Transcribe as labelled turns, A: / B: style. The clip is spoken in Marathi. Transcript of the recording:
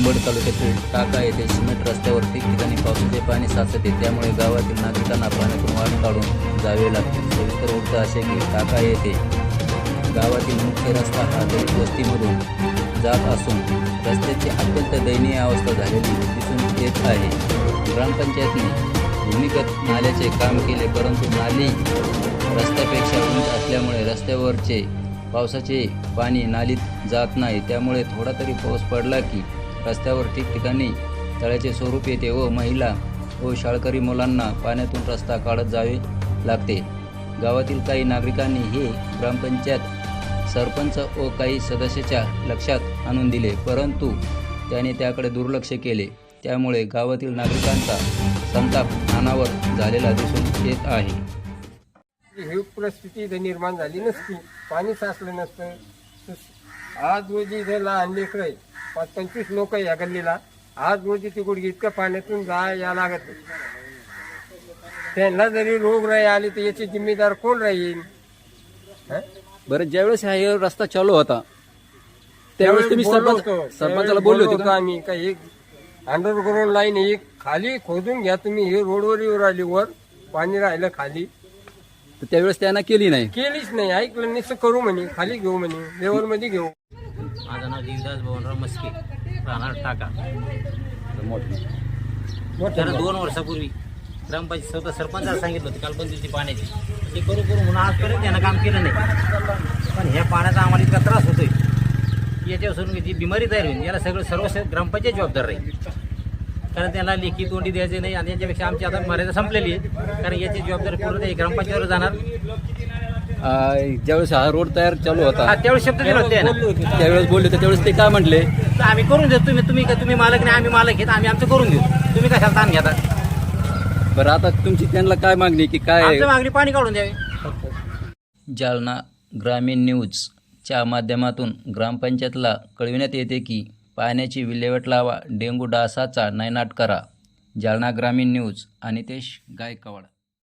A: मुरबाड तालुक्यातील टाका येथे सिमेंट रस्त्यावर ठिकठिकाणी पावसाचे पाणी साचते, त्यामुळे गावातील नागरिकांना पाण्यातून वाट काढून जावे लागते। सविस्तर वृत्त असे की टाका येथे गावातील मुख्य रस्ता हा दलित वस्तीमधून जात असून रस्त्याची अत्यंत दयनीय अवस्था झालेली दिसून येत आहे। ग्रामपंचायतने भूमिगत नाल्याचे काम केले, परंतु नाली रस्त्यापेक्षा उंच असल्यामुळे रस्त्यावरचे पावसाचे पाणी नालीत जात नाही, त्यामुळे थोडा तरी पाऊस पडला की रस्त्यावर ठिकठिकाणी तळ्याचे स्वरूप येते व महिला व शाळकरी मुलांना पाण्यातून रस्ता काढत जावे लागते। गावातील काही नागरिकांनी हे ग्रामपंचायत सरपंच व काही सदस्याच्या लक्षात आणून दिले, परंतु त्याने त्याकडे दुर्लक्ष केले, त्यामुळे गावातील नागरिकांचा संताप अनावर झालेला दिसून येत आहे।
B: ही परिस्थिती इथं निर्माण झाली नसती, पाणी साचलं नसतं। आज रोजी इथं लहान लेकरं आहे, 25 लोक या गल्लीला, आज रोजी ती गुडघी इतकं पाण्यातून या लागत नाही। त्यांना जरी रोगराई आली तर याची जिम्मेदार कोण राहील?
C: बरं, ज्यावेळेस हा हे रस्ता चालू होता त्यावेळेस तुम्ही सरपंचाला बोलले होते का?
B: आम्ही काही एक अंडरग्राऊंड लाईन एक खाली खोदून घ्या तुम्ही, हे रोडवर येऊ राहिली, वर पाणी राहिलं खाली,
C: तर त्यावेळेस त्यांना केली नाही,
B: केलीच नाही, ऐकलं नाही, करू म्हणे, खाली घेऊ म्हणे, लेवल मध्ये घेऊ।
D: माझं नाव देवदास भवनराव मस्के, राहणार टाका। त्याला 2 वर्षापूर्वी ग्रामपंचायत स्वतः सरपंचाला सांगितलं होतं कालबंदीची पाण्याची, ते करू म्हणून आजपर्यंत त्यांना काम केलं नाही। पण ह्या पाण्याचा आम्हाला इतका त्रास होतोय की याच्यापासून जी बिमारी तयार होईल याला सर्व ग्रामपंचायत जबाबदार राहील, कारण त्याला लेखी तोंडी द्यायचे नाही आणि याच्यापेक्षा आमची आता मर्यादा संपलेली आहे, कारण याची जबाबदारी पूर्ण ग्रामपंचायतीवर जाणार।
C: ज्यावेळेस हा रोड तयार चालू होता
D: त्यावेळेस शब्द दिला होते ना,
C: त्यावेळेस बोलले होते, त्यावेळेस ते काय म्हटले?
D: तर आम्ही करून देतो, तुम्ही मालक नाही, आम्ही मालक घेत, आम्ही आमचं करून घेऊ, तुम्ही कशाला ताण घेता?
C: बरं, आता तुमची त्यांना काय मागणी की काय?
D: आमची मागणी पाणी काढून द्यावे।
A: जालना ग्रामीण न्यूजच्या माध्यमातून ग्रामपंचायतला कळविण्यात येते की पाण्याची विल्हेवाट लावा, डेंग्यू डासाचा नायनाट करा। जालना ग्रामीण न्यूज, अनितेश गायकवाड।